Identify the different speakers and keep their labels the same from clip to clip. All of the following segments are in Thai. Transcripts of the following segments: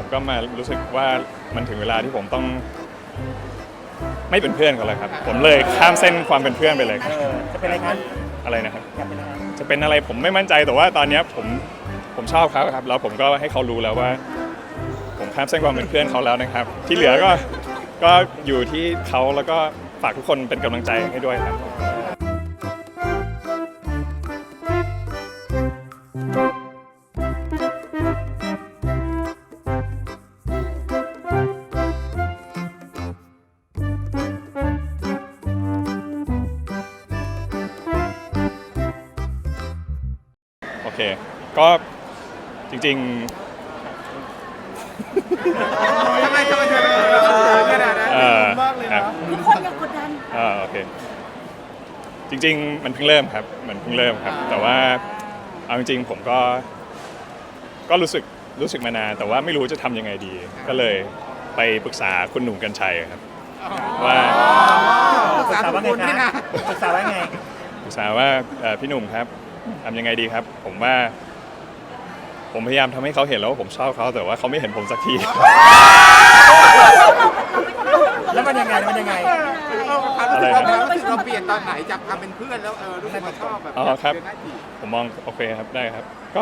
Speaker 1: ผมก็มารู้สึกว่ามันถึงเวลาที่ผมต้องไม่เป็นเพื่อนกันแล้วครับผมเลยข้ามเส้นความเป็นเพื่อนไปเลยครับ
Speaker 2: จะเป็นอะไรครับ
Speaker 1: อะไรนะครับ
Speaker 2: อยากเป็นอะไร
Speaker 1: จะเป็นอะไรผมไม่มั่นใจแต่ว่าตอนนี้ผมชอบเขาครับแล้วผมก็ให้เขารู้แล้วว่า ผมข้ามเส้นความเป็นเพื่อนเขาแล้วนะครับ ที่เหลือก็อยู่ที่เขาแล้วก็ฝากทุกคนเป็นกำลังใจให้ด้วยครับโอเคก็จริงๆ
Speaker 3: ทำไมเธอขนาดนั้นมากเลยนะ
Speaker 4: ทุกคนยังกดดัน
Speaker 1: โอเคจริงๆมันเพิ่งเริ่มครับแต่ว่าเอาจริงๆผมก็รู้สึกมานานแต่ว่าไม่รู้จะทำยังไงดี ก็เลยไปปรึกษาคุณหนุ่มกรรชัยครับว่า
Speaker 2: ปรึกษาว่าไงนะปรึกษาว่าไง
Speaker 1: ปรึกษาว่าพี่หนุ่มครับทำยังไงดีครับผมว่าผมพยายามทำให้เขาเห็นแล้วว่าผมชอบเขาแต่ว่าเขาไม่เห็นผมสักที
Speaker 2: แล้วมันยังไงมันยังไง
Speaker 3: ความรู้สึกเราเปลี่ยนตอนไหนจากความเป็นเพื่อนแล้วรู้สึกว่าชอบแบบ
Speaker 1: อ๋อครับ
Speaker 3: เดินหน้าจีบ
Speaker 1: ผมมองโอเคครับได้ครับก็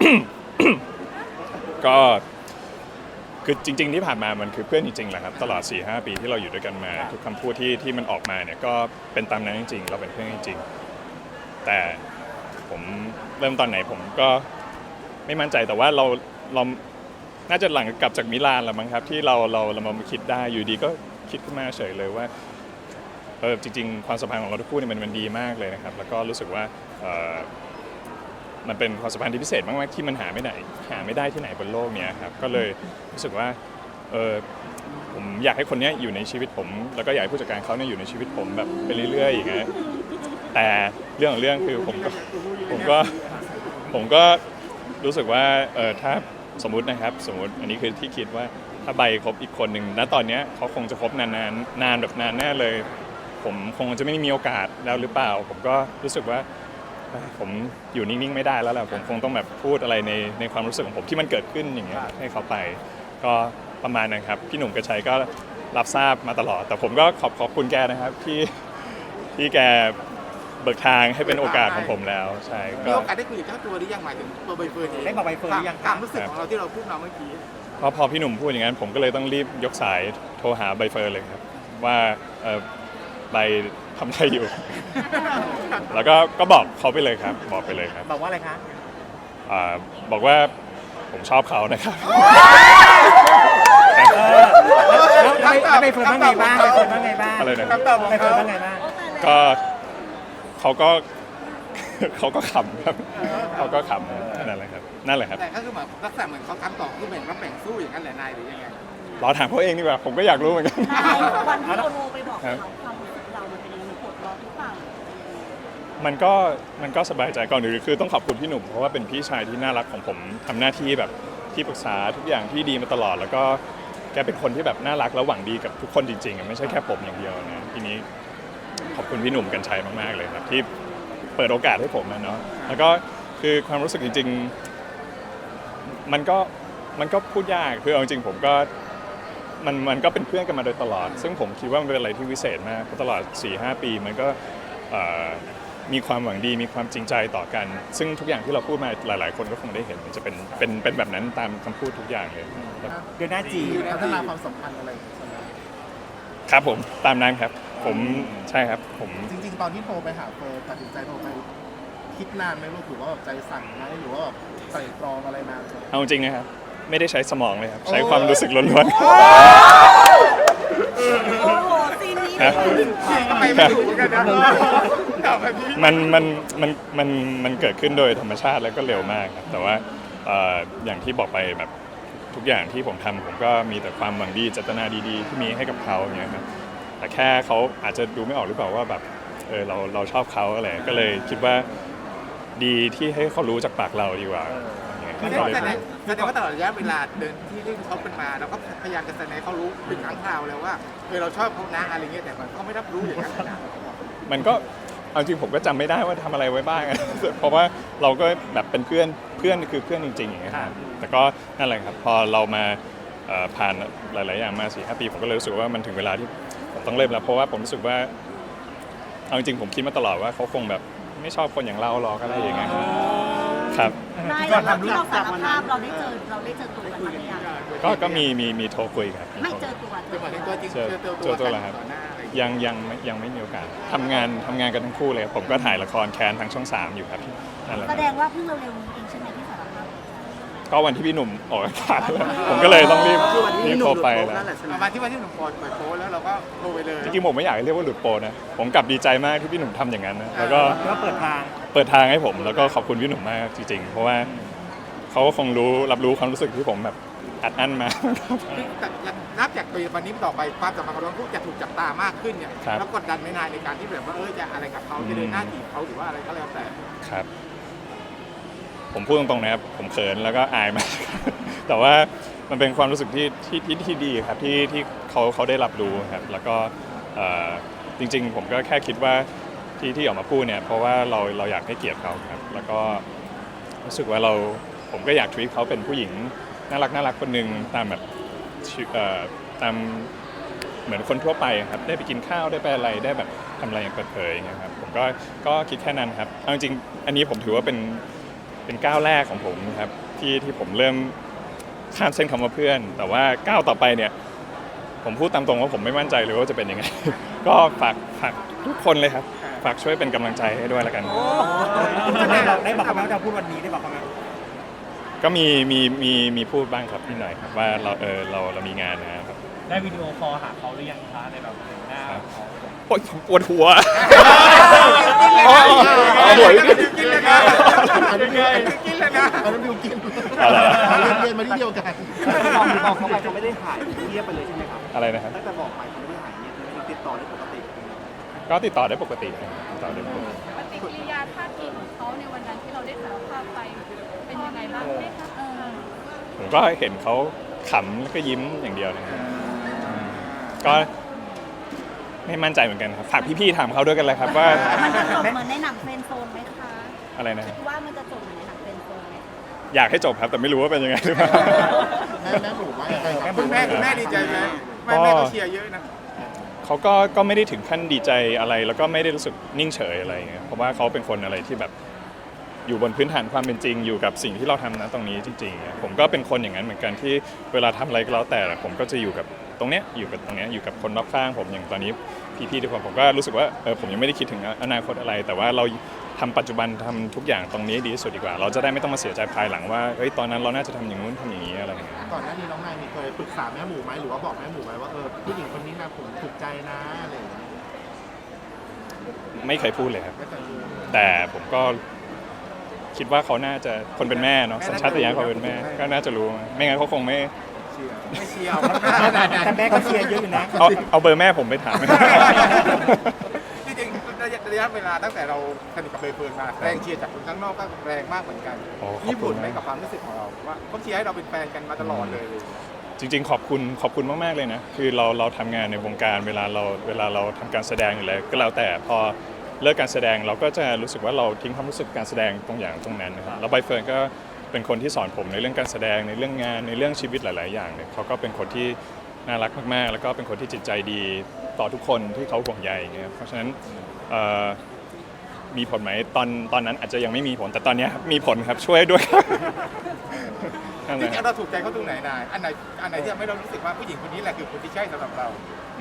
Speaker 1: ก็คือจริง ๆ ที่ผ่านมามันคือเพื่อนจริงๆแหละครับตลอด 4-5 ปีที่เราอยู่ด้วยกันมาทุกคำพูดที่มันออกมาเนี่ยก็เป็นตามนั้นจริงๆเราเป็นเพื่อนจริงๆแต่ผมเริ่มตอนไหนผมก็ไม่มั่นใจแต่ว่าเราน่าจะหลังกลับจากมิลานแล้วมั้งครับที่เรามาคิดได้อยู่ดีก็คิดขึ้นมาเฉยเลยว่าจริงๆความสัมพันธ์ของเราทุกคู่เนี่ยมันดีมากเลยนะครับแล้วก็รู้สึกว่ามันเป็นความสัมพันธ์ที่พิเศษมากๆที่มันหาไม่ได้ที่ไหนบนโลกเนี้ยครับก็เลยรู้สึกว่าผมอยากให้คนนี้อยู่ในชีวิตผมแล้วก็อยากให้ผู้จัดการเขาเนี่ยอยู่ในชีวิตผมแบบไปเรื่อยๆอย่างเงี้ยแต่เรื่องของเรื่องคือผมก็รู้สึกว่าถ้าสมมติอันนี้คือที่คิดว่าถ้าใบคบอีกคนหนึ่งณตอนนี้เขาคงจะคบนานแบบนานแน่เลยผมคงจะไม่มีโอกาสแล้วหรือเปล่าผมก็รู้สึกว่าผมอยู่นิ่งๆไม่ได้แล้วแหละผมคงต้องแบบพูดอะไรในความรู้สึกของผมที่มันเกิดขึ้นอย่างเงี้ยให้เขาไปก็ประมาณนั้นครับพี่หนุ่มกระชัยก็รับทราบมาตลอดแต่ผมก็ขอบคุณแกนะครับที่แกเบิกทางให้เป็นโอกาสของผมแล้วใช่
Speaker 3: มีโอกาสได้คุยกับเจ้าตัวหรือยังหมายถึงตัวใบเฟิร์นเอง
Speaker 2: ได้บอกใบเฟิร์นหรือยัง
Speaker 3: ความรู้สึกของเราที่เราพูดมาเมื่อกี้
Speaker 1: พอพี่หนุ่มพูดอย่างนั้นผมก็เลยต้องรีบยกสายโทรหาใบเฟิร์นเลยครับว่าใบทำอะไรอยู่ แล้วก็บอกเขาไปเลยครับบอกไปเลยครับ
Speaker 2: บอกว่าอะไรคะ
Speaker 1: บอกว่าผมชอบเขานะครับ
Speaker 2: แล้วใบเฟิร์นว่าไงบ้างใบเฟิร์นว่าไงบ้าง
Speaker 1: อะไรนะ
Speaker 2: ใบเฟิร์นว่าไงบ้าง
Speaker 1: ก็เขาก็ขำครับเขาก็ขำนั่นแหละครับ
Speaker 3: แต่ก็คือเหมือนลักษณะเหมือนเขาทำต่อคือแบ่งรับแบ่งสู้อย่างนั้นแหละนายหรือยังไง
Speaker 1: รอถามเขาเองดีกว่าผมก็อยากรู้เหมือนกัน
Speaker 4: วันที่เราโทรไปบอกเขาความรู้สึกเรามันเป็นยังไงมันปวดร้อนหรือเปล่า
Speaker 1: มันก็สบายใจก่อนอื่นคือต้องขอบคุณพี่หนุ่มเพราะว่าเป็นพี่ชายที่น่ารักของผมทำหน้าที่แบบที่ปรึกษาทุกอย่างที่ดีมาตลอดแล้วก็แกเป็นคนที่แบบน่ารักและหวังดีกับทุกคนจริงๆไม่ใช่แค่ผมอย่างเดียวนะทีนี้ขอบคุณพี่หนุ่มกรรชัยมากๆเลยครับที่เปิดโอกาสให้ผมนะเนาะแล้วก็คือความรู้สึกจริงๆมันก็พูดยากคือเอาจริงผมก็มันก็เป็นเพื่อนกันมาโดยตลอดซึ่งผมคิดว่ามันเป็นอะไรที่วิเศษมากเพราะตลอด 4-5 ปีมันก็มีความหวังดีมีความจริงใจต่อกันซึ่งทุกอย่างที่เราพูดมาหลายๆคนก็คงได้เห็นมันจะเป็นแบบนั้นตามคำพูดทุกอย่างเลยครับ
Speaker 2: เดือนหน้าจี
Speaker 3: พัฒนาความสัมพันธ์อะไร
Speaker 1: ครับผมตามนั้นครับผมใช่ครับผม
Speaker 5: จริงๆ ตอนที่โทรไปหาเฟิร์นตัดสินใจโทรไปคิดนานไหมลูกหรือว่าแบบใจสั่นไหมหรือว่าแบบใส่ตรองอะไรนานไหม
Speaker 1: เอาจริงนะครับไม่ได้ใช้สมองเลยครับใช้ความรู้สึกล้วนๆ
Speaker 4: โอ้โหซีนนี้
Speaker 1: ครับ
Speaker 3: ทำไมไม่ถูกกันนะ
Speaker 1: มันเกิดขึ้นโดยธรรมชาติแล้วก็เร็วมากครับแต่ว่าอย่างที่บอกไปแบบทุกอย่างที่ผมทำผมก็มีแต่ความหวังดีเจตนาดีๆที่มีให้กับเขาอย่างเงี้ยครับแต่แค่เขาอาจจะดูไม่ออกหรือเปล่าว่าแบบเราชอบเขาอะไรก็เลยคิดว่าดีที่ให้เขารู้จากปากเราดีกว่าอย่างเงี้ย
Speaker 3: คือ
Speaker 1: ก็เลย
Speaker 3: แสดงว่าตลอดระยะเวลาเดินที่เขาเป็นมาเราก็พยายามจะแสดงให้เขารู้เป็นครั้งคราวแล้วว่าเราชอบเขานะอะไรเงี้ยแต่เขาไม่รับรู้อย่างนั้นนะ
Speaker 1: มันก็เอาจริงผมก็จำไม่ได้ว่าทำอะไรไว้บ้าง เพราะว่าเราก็แบบเป็นเพื่อนคือเพื่อนจริงๆอย่างเงี้ยครับแต่ก็นั่นแหละครับพอเรามาผ่านหลายๆอย่างมา 4-5 ปีผมก็เลยรู้สึกว่ามันถึงเวลาที่ผมต้องเริ่มแล้วเพราะว่าผมรู้สึกว่าเอาจริงๆผมคิดมาตลอดว่าเขาคงแบบไม่ชอบคนอย่างเราหรอกอะไรอย่างเงี้ยครับ
Speaker 4: นายเราที่เราสารภาพเราได้เจอตัวกันหรือยัง
Speaker 1: ก็มีโทรคุยครับ
Speaker 4: ไม่เจอตัว
Speaker 3: คือหมายถึงตัวจริง
Speaker 1: เจอ
Speaker 3: ตัว
Speaker 1: ตัว
Speaker 3: กัน
Speaker 1: แล้วครับ
Speaker 3: ต่อหน้าอะไรอย่างเงี้ย
Speaker 1: ยังไม่มีโอกาสทำงานกันทั้งคู่เลยผมก็ถ่ายละครแคนทางช่อง 3อยู่ครับนั่นแหละ
Speaker 4: แสดงว่าเพิ่งเร็วๆนี้เองใช่ไหมที่สารภาพ
Speaker 1: ก็วันที่พี่หนุ่มออกอากาศแล้วผมก็เลยต้องรีบโทรไปแล้ว
Speaker 3: ประมาณที่วันที่หนุ่มโพสต์เปิดโพสต์แล้วเราก็โทรไปเลย
Speaker 1: จริงๆผมไม่อยากให้เรียกว่าหลุดโปรนะผมกลับดีใจมากที่พี่หนุ่มทำอย่างนั้นนะแล้วก็
Speaker 2: ก็เปิดทาง
Speaker 1: เปิดทางให้ผมแล้วก็ขอบคุณพี่หนุ่มมากจริงๆเพราะว่าเขาก็คงรับรู้ความรู้สึกที่ผมแบบอัดอั้นมา
Speaker 3: แต่นับจากปีวันนี้ต่อไปความสัมพันธ์ของเราคู่จะถูกจับตามากขึ้นเนี่ย
Speaker 1: ครับ
Speaker 3: แล้วกดดันไม่นานในการที่แบบว่าจะอะไรกับเขาจะเดินหน้าจีบเขาหรือว่าอะไรก็แล้วแต่
Speaker 1: ครับผมพูดตรงๆนะครับผมเขินแล้วก็อายมาก แต่ว่ามันเป็นความรู้สึกที่ดีครับที่เขาได้รับรู้ครับแล้วก็จริงๆผมก็แค่คิดว่าที่ออกมาพูดเนี่ยเพราะว่าเราอยากให้เกียรติเขาครับแล้วก็รู้สึกว่าผมก็อยากทวีตเขาเป็นผู้หญิงน่ารักคนหนึ่งตามแบบตามเหมือนคนทั่วไปครับได้ไปกินข้าวได้ไปอะไรได้แบบทำอะไรอย่างเปิดเผยอย่างเงี้ยครับผมก็คิดแค่นั้นครับเอาจริงๆอันนี้ผมถือว่าเป็นก้าวแรกของผมครับที่ผมเริ่มข้ามเส้นคำว่าเพื่อน แต่ว่าก้าวต่อไปเนี่ยผมพูดตามตรงว่าผมไม่มั่นใจเลยว่าจะเป็นยังไง ก็ฝากทุกคนเลยครับฝากช่วยเป็นกำลังใจให้ด้วยแล้วกัน
Speaker 2: ได้บอกเขาไหมว่าจะพูดวันนี้ได้บอกเขาไหม
Speaker 1: ก็มีพูดบ้างครับนิดหน่อยครับว่าเรามีงานนะครับ
Speaker 2: ได้วิดีโอคอลหาเขาหรือยังคะในแบบหน้าเขา
Speaker 1: โอ๊ยปวดหัวเอาหัว
Speaker 3: กินเลยนะ
Speaker 5: อันนี้บิว
Speaker 3: กินเลยนะ
Speaker 5: อันนั้นบิวกิน
Speaker 1: อะไร
Speaker 5: เรียนมาที่เดียวกัน
Speaker 2: บอกเขาไปเขาไม่ได้หายเงียบไปเลยใช่ไหมครับ
Speaker 1: อะไรนะครับ
Speaker 2: ตั้งแต่บอกไปเขาไม่ได้หายเงียบเลยติดต่อได้ปกติ
Speaker 1: ก็ติดต่อได้ปกติครับติดต่อได้ปกติ
Speaker 6: ปฏิกิริยาท่าทีของเขาในวันนั้นที่เราได้สารภาพไปเป็นยังไงบ้างไหมคะ
Speaker 1: ผมก็เห็นเขาขำแล้วก็ยิ้มอย่างเดียวนะครับก็ไม่มั่นใจเหมือนกันครับฝากพี่ๆถามเขาด้วยกันเลยครับว่า
Speaker 4: มันจะจบเหมือนในหนังเฟรนด์โซนไหมคะ
Speaker 1: อะไรนะ
Speaker 4: คิดว่ามันจะจบเหมือนในหนังเฟรนด์โซนไหม
Speaker 1: อยากให้จบครับแต่ไม่รู้ว่าเป็นยังไงหรือเปล่า
Speaker 5: แม่หนูว่ายังไงครับ
Speaker 3: คุณแม่ดีใจไหมแม่ก็เชียร์เยอะนะ
Speaker 1: เขาก็ไม่ได้ถึงขั้นดีใจอะไร แล้วก็ไม่ได้รู้สึกนิ่งเฉยอะไรอย่างเงี้ยเพราะว่าเขาเป็นคนอะไรที่แบบอยู่บนพื้นฐานความเป็นจริงอยู่กับสิ่งที่เราทำนะตรงนี้จริงๆผมก็เป็นคนอย่างนั้นเหมือนกันที่เวลาทำอะไรก็แล้วแต่ผมก็จะอยู่กับตรงเนี้ยอยู่กับตรงเนี้ยอยู่กับคนรอบข้างผมอย่างตอนนี้พี่ๆทุกคนผมก็รู้สึกว่าผมยังไม่ได้คิดถึงอนาคตอะไร แต่ว่าเราทำปัจจุบันทำทุกอย่างตรงนี้ดีที่สุดดีกว่า เราจะได้ไม่ต้องมาเสียใจภายหลังว่าเฮ้ยตอนนั้นเราน่าจะทำอย่างนู้นทำอย่างนี้อะไรอย่างเงี้ย
Speaker 5: ก่อนหน้านี้น้องนายมีเคยปรึกษาแม่หมูไหมหรือว่าบอกแม่หมูไหมว่าผู้หญิงคนนี้นะผมถูกใจนะอะไรอย่างเงี้ย
Speaker 1: ไม่เคยพูดเลยครับ
Speaker 5: ไม่เคยรู้
Speaker 1: แต่ผมก็คิดว่าเขาน่าจะคนเป็นแม่เนาะสัญชาตญาณเขาเป็นแม่ก็น่าจะรู้ไม่งั้นเขาคงไม่
Speaker 3: ไม่เชียร์
Speaker 2: แต่แม่ก็เชียร์เยอะอยู่นะ
Speaker 1: เอาเบอร์แม่ผมไปถาม
Speaker 3: จริงๆระยะเวลาตั้งแต่เราสนิทกับเบย์เฟิร์นมาแรงเชียร์จากคนข้างนอกก็แรงมากเหมือนกัน
Speaker 1: โอ้ขอบคุณ
Speaker 3: ญี่ปุ่นไหมกับความรู้สึกของเราว่าเขาเชียร์ให้เราเป็นแฟนกันมาตลอดเลย
Speaker 1: จริงๆขอบคุณมากๆเลยนะคือเราทำงานในวงการเวลาเราทำการแสดงอยู่แล้วก็แล้วแต่พอเลิกการแสดงเราก็จะรู้สึกว่าเราทิ้งความรู้สึกการแสดงตรงนั้นนะครับแล้วใบเฟิร์นก็เป็นคนที่สอนผมในเรื่องการแสดงในเรื่องงานในเรื่องชีวิตหลายๆอย่างเนี่ยเขาก็เป็นคนที่น่ารักมากๆแล้วก็เป็นคนที่จิตใจดีต่อทุกคนที่เขาห่วงใยอย่างเงี้ยเพราะฉะนั้นมีผลไหมตอนนั้นอาจจะยังไม่มีผลแต่ตอนนี้มีผลครับช่วยด้วย นั่น
Speaker 3: จ
Speaker 1: แห
Speaker 3: ริ
Speaker 1: ละ
Speaker 3: งๆเราถูกใจเขาตรงไหนนายอันไหนที่ทำให้เรารู้สึกว่าผู้หญิงคนนี้แหละคือคนที่ใช่สำหรับเรา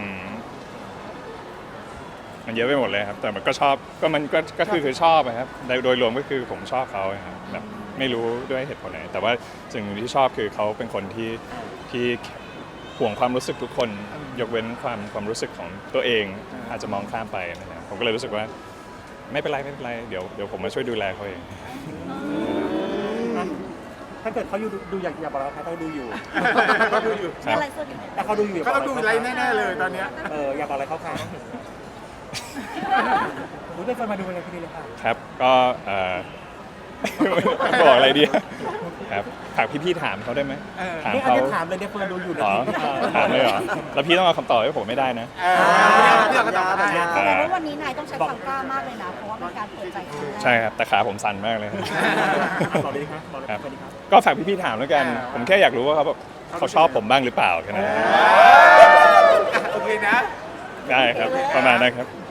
Speaker 1: มันเยอะไปหมดเลยครับแต่มันก็ชอบก็คือชอบนะครับโดยรวมก็คือผมชอบเขาครับแบบไม่รู้ด้วยเหตุผลไหนแต่ว่าสิ่งที่ชอบคือเขาเป็นคนที่ห่วงความรู้สึกทุกคนยกเว้นความรู้สึกของตัวเองอาจจะมองข้ามไปนะครับผมก็เลยรู้สึกว่าไม่เป็นไรเดี๋ยวผมมาช่วยดูแลเขาเอง
Speaker 2: ถ้าเกิดเขาดูอยากบอกเราเขาดูอยู่
Speaker 3: เขาดูอยู่
Speaker 1: ครับ
Speaker 4: อะไรส่วนใหญ่
Speaker 2: แต่เขาดูอยู่
Speaker 3: เขาต้องดูอะไรแน่ๆเลยตอนเนี้ย
Speaker 2: อยากบอกอะไรเขาคะรู้ได้คนมาดูอะไรพี่เลยค่ะ
Speaker 1: ครับก็บอกอะไรดีครับฝากพี่ๆถามเขาได้ไหมถาม
Speaker 2: นี่อัน
Speaker 1: เขา
Speaker 2: นี้ถามเลยเนี่ยเฟิร์นดูอยู่นะ
Speaker 1: อ๋อถามเลยเหรอแล้วพี่ต้องเอาคำตอบให้ผมไม่ได้นะ
Speaker 3: เรื่องก็ตอบได้
Speaker 4: แสดงว่าวันนี้นายต้องใช้ความกล้ามากเลยนะ เพราะว่าเป็นการเปิดใจครั้งแรก
Speaker 1: ใช่ครับแต่ขาผมสั่นมากเลย
Speaker 2: บอกเลยครับบอกเลยครับ
Speaker 1: ก็ฝากพี่ๆถามแล้วกัน ผมแค่อยากรู้ว่าเขาแบบเขาชอบผมบ้างหรือเปล่าแค่นั้น
Speaker 3: โอเคนะ
Speaker 1: ได้ครับประมาณนั้นครับ